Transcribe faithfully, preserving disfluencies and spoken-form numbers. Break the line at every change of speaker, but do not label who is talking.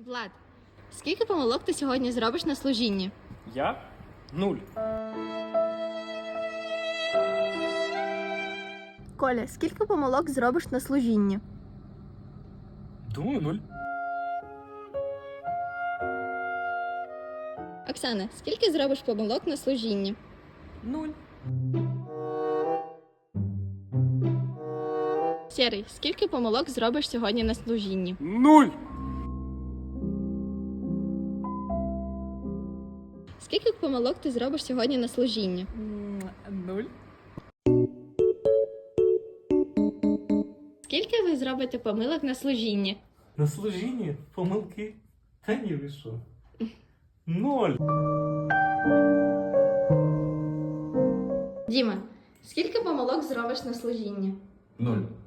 Влад, скільки помилок ти сьогодні зробиш на служінні?
Я? Нуль.
Коля, скільки помилок зробиш на служінні?
Думаю, нуль.
Оксана, скільки зробиш помилок на служінні?
Нуль.
Сєрий, скільки помилок зробиш сьогодні на служінні?
Нуль.
Скільки помилок ти зробиш сьогодні на служінні?
Нуль.
Скільки ви зробите помилок на служінні?
На служінні помилки? Та ні, ви що? Ноль.
Діма, скільки помилок зробиш на служінні?
Нуль.